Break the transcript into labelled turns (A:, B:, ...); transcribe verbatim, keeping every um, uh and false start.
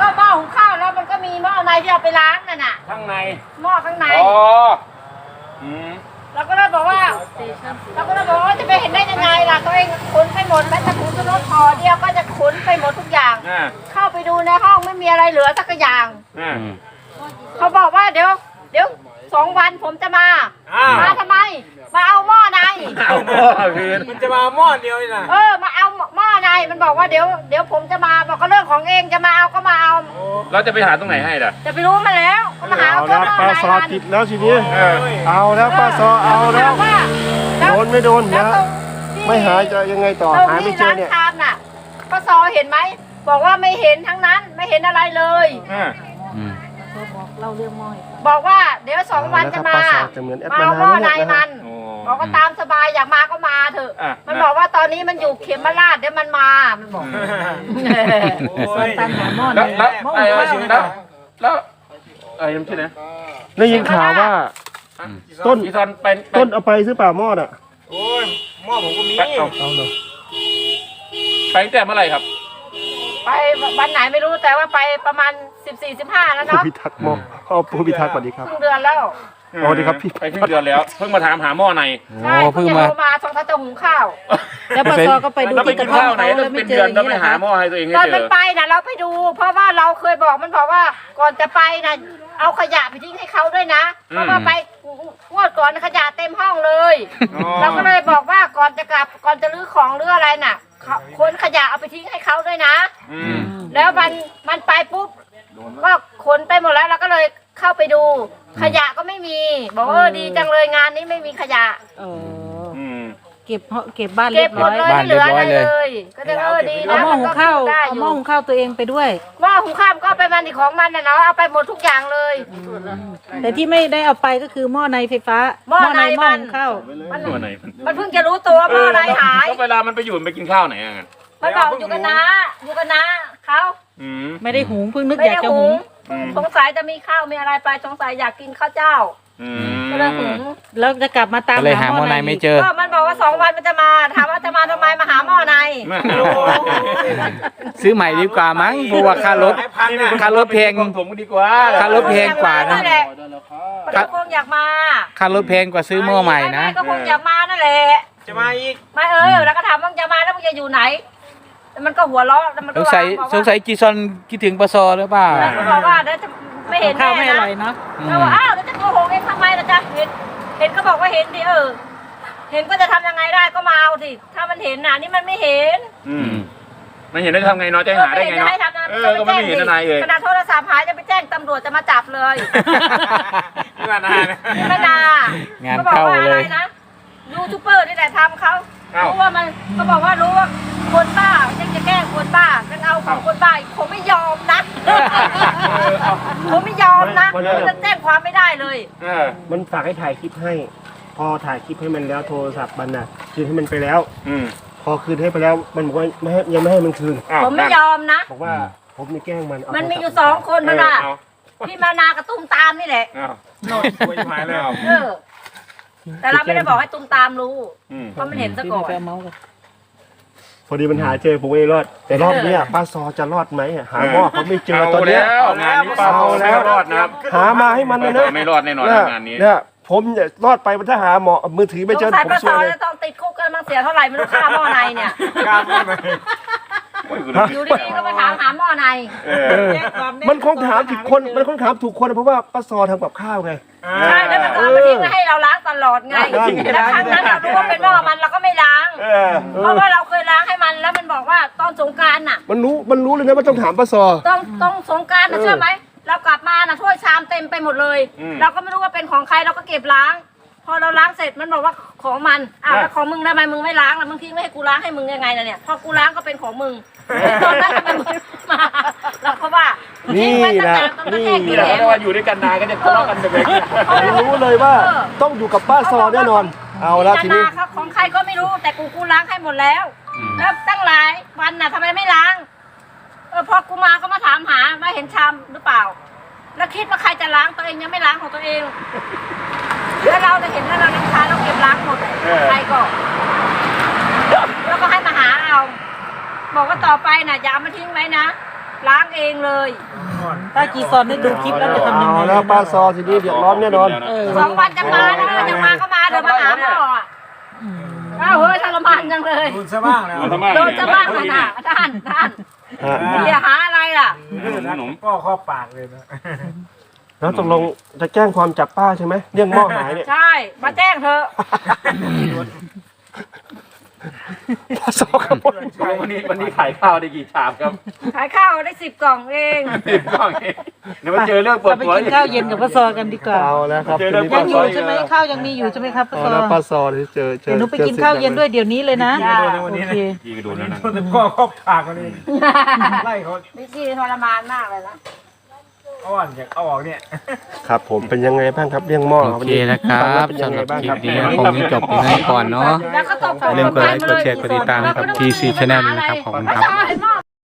A: ก็หม้อหุงข้าวแล้วมันก็มีหม้อในที่เอาไปล้างนั่นน่ะ
B: ข้างใน
A: หม้อข้างใน
B: อ๋ออืม
A: เราก็เลยบอกว่าเราก็เลยบอกว่าจะไปเห็นได้ยังไงล่ะตัวเองขนไปหมดแม้แต่ถุงรถพอเดียวก็จะขนไปหมดทุกอย่างเข้าไปดูในห้องไม่มีอะไรเหลือสักอย่างเขาบอกว่าเดี๋ยวเดี๋ยวสองวันผมจะมามาทำไมมาเอาหม้อใน
B: เอาหม้อคืนมันจะมาหม้อเดียวนี่นะ
A: เออมาเอาหม้อในมันบอกว่าเดี๋ยวเดี๋ยวผมจะมาบอกก็เรื่องของเองจะมาเอาก็มาเอา
B: เราจะไปหาตรงไหนให้ล่ะ
A: จะไปรู้มาแล้วก็มาหาเอา
C: แล้วป้าซอติดแล้วทีนี้เอาแล้วป้าซอเอาแล้วโดนไม่โดนนะไม่หายจะยังไงต่อหาไม่เจอเนี่ย
A: ร้านชามน่ะป้าซอเห็นไหมบอกว่าไม่เห็นทั้งนั้นไม่เห็นอะไรเลยเล่าเรื่องหม้อบอกว่าเดี๋ยวสองวันจะมามาเอาหม้อในมันบอกว่าตามสบายอยากมาก็มาเถอะมันบอกว่าตอนนี้มันอยู่เขมราชเดี๋ยวมันมามันบอกตามหาหม้อ
B: แล้วแล้วแล้วแล้วไอ้ยังชื่อไหน
C: ได้ยินข่าวว่าต้น
B: เป็น
C: ต้นเอาไปซื้อป่าหม้อน่ะ
B: โอ้ยหม้อผมก็มีเอาเอาเลยไปตั้งแต่เมื่อไหร่ครับ
A: ไปวันไหนไม่รู้แต่ว่าไปประมาณสิบสี่สิบห้าแล้วเนาะ
C: ผู้พิทักษ์หม้ออ๋อผู้พิทักษ์สวัสดีครับ
A: เพิ่งเดือนแล้ว
C: สวัสดีครับพี่
B: ไปเพิ่งเดือนแล้วเพิ่งมาถามหาหม้อใน
A: ใช่เพิ่งมามาสองท่านจะหุงข้าว
D: แล้วปสก็ไปดู
B: ที่กระท่อมไหนแล้วเป็นเดือนแล้วไปหาหม้อให้ตัวเองให้เจอ
A: ตอนมันไปนะเราไปดูเพราะว่าเราเคยบอกมันบอกว่าก่อนจะไปนะเอาขยะไปทิ้งให้เขาด้วยนะเพราะว่าไปงวดก่อนขยะเต็มห้องเลยเราก็เลยบอกว่าก่อนจะกลับก่อนจะรื้อของหรืออะไรน่ะคนขยะเอาไปทิ้งให้เขาด้วยนะแล้วมันมันไปปุ๊บก็ขนไปหมดแล้วเราก็เลยเข้าไปดูขยะก็ไม่มีบอกเออดีจังเลยงานนี้ไม่มีขยะ
D: เก็บเก็บบ้าน
A: เก็บหมดเลยไม่เหลืออะไรเลยก็จะเออดีนะ
D: เอาหม้อหุงข้าวเอาหม้อหุงข้าวตัวเองไปด้วย
A: หม้อหุงข้าวก็ไปมันที่ของมันนะเนาะเอาไปหมดทุกอย่างเลย
D: แต่ที่ไม่ได้เอาไปก็คือหม้อในไฟฟ้า
A: หม้อใน
D: หม้อหุงข้าว
A: มันเพิ่งจะรู้ตัวหม้อในหาย
B: แล้วเวลามันไปอยู่ไปกินข้าวไหนอ่ะ
A: มันบอกอยู่กันนะอยู่กันนะเขา
D: ไม่ได้หุงเพิ่งนึกอยากจะหุง
A: สงสัยจะมีข้าวมีอะไรไปสงสัยอยากกินข้าวเจ้าก็เลยหุง
D: แล้วจะกลับมาตาม
E: หาหม้อในไม่เจอ
A: ก็มันบอกว่าสองวันมันจะมาถามว่าจะมาทำไมมาหาหม้อใน
E: ซื้อใหม่ดีกว่ามั้งเพราะว่าค่ารถค่ารถแพง
B: ผมดีกว่า
E: ค่ารถแพงกว่านะ
A: ก็คงอยากมา
E: ค่ารถแพงกว่าซื้อหม้อใหม่นะ
A: ก็คงอยากมานั่นแหละ
B: จะมาอีก
A: ไม่เออแล้วก็ถามว่าจะมาแล้วมึงจะอยู่ไหนมันก็หัวเราะแล้วมันก็
E: สงสัยสงสัยจีซอนคิดถึงปสหรือเปล่า
A: มันบอกว่าเดี๋ยวจะไม่เห็น
D: ข้าวไม่อร่อยเนาะ
A: เราว่าอ้าวแล้วจะโกหกเองทำไมล่ะจ๊ะเห็นเห็นก็บอกว่าเห็นดิเออเห็นก็จะทำยังไงได้ก็มาเอาสิถ้ามันเห็นน่ะนี่มันไม่เห็น
B: อืมไม่เห็นได้ทำไงเนาะจะหาได้ไงเนาะเออก็ไม่เห็นอะไรเลย
A: ขนาดโทรศัพท์หายจะไปแจ้งตำรวจจะมาจับเลย
B: ไม่นาน
A: ไม่นาน
E: งานเข้าเลย
A: นะยูทูบเบอร์นี่แหละทำเขารู้ว่ามันเขาบอกว่ารู้ว่าคนบ้ายังจะแกล้งคนบ้าจะเอาของคนบ้าผมไม่ยอมนะผมไม่ยอมนะมันจะแจ้งความไม่ได้เลย
C: มันฝากให้ถ่ายคลิปให้พอถ่ายคลิปให้มันแล้วโทรศัพท์มันน่ะคืนให้มันไปแล้วพอคืนให้ไปแล้วมันบอกว่าไม่ให้ยังไม่ให้มันคืน
A: ผมไม่ยอมนะ
C: บอกว่าผมนี่แกล้งมัน
A: มันมีอยู่สองคนนะล่ะพี่มานากระตุ้มตามนี่แหละ
B: โน่คุยหายแล้ว
A: แต่เราไม่ได้บอกให้ตุ้มตามรู้เพราะมันเห็นซะก่อน
C: พอดีมันหาเจอผมไม่รอดแต่รอบนี้ป้าซอจะรอดไหมหาหม้อเขาไม่เจอตอนนี้
B: งานนี้ป้าซอแล้วรอดนะครับ
C: หามาให้มันเลยนะ
B: ไม่รอดแน่นอนงานนี้
C: เนี่ยผมจะรอดไปมันถ้าหาหมอมือถือไม่เจอผม
A: ซวยเลยต้องติดคุกกันมันเสียเท่าไหร่ไม่รู้ค่าหม้อในเนี่ยอยู่ดีๆก็มาถามหาหม้อใน
C: มันคงถามถูกคนมันคงถามถูกคนเพราะว่าป้าซอทำกับข้าวไง
A: ใช่แล้วมันก็มาทิ้งให้เราล้างตลอดไงแล้วครั้งนั้นเรารู้ว่าเป็นหม้อมันเราก็ไม่ล้างเพราะว่าเราเคยล้างให้มันแล้วมันบอกว่าตอนสงกรานต์น่ะ
C: มันรู้มันรู้เลยนะว่าต้องถามป้าซอ
A: ต้องต้องสงกรานต์นะเชื่อไหมเรากลับมาน่ะถ้วยชามเต็มไปหมดเลยเราก็ไม่รู้ว่าเป็นของใครเราก็เก็บล้างพอเราล้างเสร็จมันบอกว่าของมันอ้าวแล้วของมึงทำไมมึงไม่ล้างล่ะมึงทิ้งไม่ให้กูล้างให้มึงยังไงล่ะเนี่ยพอกูล้างก็เป็นของมึงตอนนั้นทำไมมึงมาเราก็ว่า
C: นี่นะ
B: นี่แหละว่าอยู่ด้วยกันนานก็จะทะเลาะกันไปเลย
C: รู้เลยว่าต้องอยู่กับป้าซอแน่นอนเอาละทีนี้
A: ของใครก็ไม่รู้แต่กูกูล้างให้หมดแล้วแล้วตั้งหลายวันน่ะทำไมไม่ล้างเออพอกูมาก็มาถามหามาเห็นชามหรือเปล่าแล้วคิดว่าใครจะล้างตัวเองยังไม่ล้างของตัวเองแล้วเราจะเห็นแล้วเราน้ำชาเราเก็บล้างหมดใครก็แล้วก็ให้มาหาเอาบอกว่าต่อไปน่ะอย่าเอามาทิ้งไว้นะล้างเองเลย
D: ถ้าจีซอนได้ดูคลิปแล้วจะทำยัง
C: เอา
D: ไง
C: แล้วป้าซอทีนี้เดือดร้อนแน่นอน
D: เออ
A: สองวันจะมาแล้วจะมาก็มาเดี๋ยวมาหาหมออ่ะอ้าวเฮ้ยทรมานจังเลย
B: โดนซะบ้างแล้ว
A: โดนจะบ้างนะน่ะท่านท่าน
C: ฮะ
A: เดี๋ยวหาอะไรล่ะ
B: ขนมก็ข้อปากเลยนะ
C: แล้วตกลงจะแจ้งความจับป้าใช่ไหมเรื่องหม้อหายเนี่ย
A: ใช่ มาแจ้งเธอะ
C: ป้าซอครับ
B: วันนี้วันนี้ขายข้าวได้กี่ชามครับ
A: ขายข้าวได้สิบกล่องเอง
B: สิบกล่องเองเดี๋ยวมาเจอเรื่องปวด
D: เราไป
B: หัว
D: กินข้าวเย็นกับป้าซอกันดีกว่า
C: เอาแล้วครับ
B: เจอ
C: ที
B: เรื่อง
C: นี้
D: ยังอยู่ใช่ไหมข้าวยังมีอยู่ใช่ไหมครับป้า
C: เอา
D: ซอ
C: แล้วป้าซอที่เจอเจอ
D: เดี๋ยวหนูไปกินข้าวเย็นด้วยเดี๋ยวนี้เลยนะ
A: จ้า
D: โอเค
B: ยี่กระโดดแล้วนะโดนข้อข้อปากกันนี่ไล่เขา
A: วิธีทรมานมากเลยนะ
B: อ้อนอยากเอาออกเนี่ย
C: ครับผมเป็นยังไงบ้างครับเรื่องหม้อ
E: โอเคนะครับสำหรับคลิปนี้คงจะจบเพียงเท่านี้ก่อนเนาะ
A: แล้วก็ต้อง
E: อย่าลืมกดไลค์กดแชร์กดติดตามนะครับ ที ซี Channel นะครับขอบคุณครับ
A: ไม่ใช่หม้อ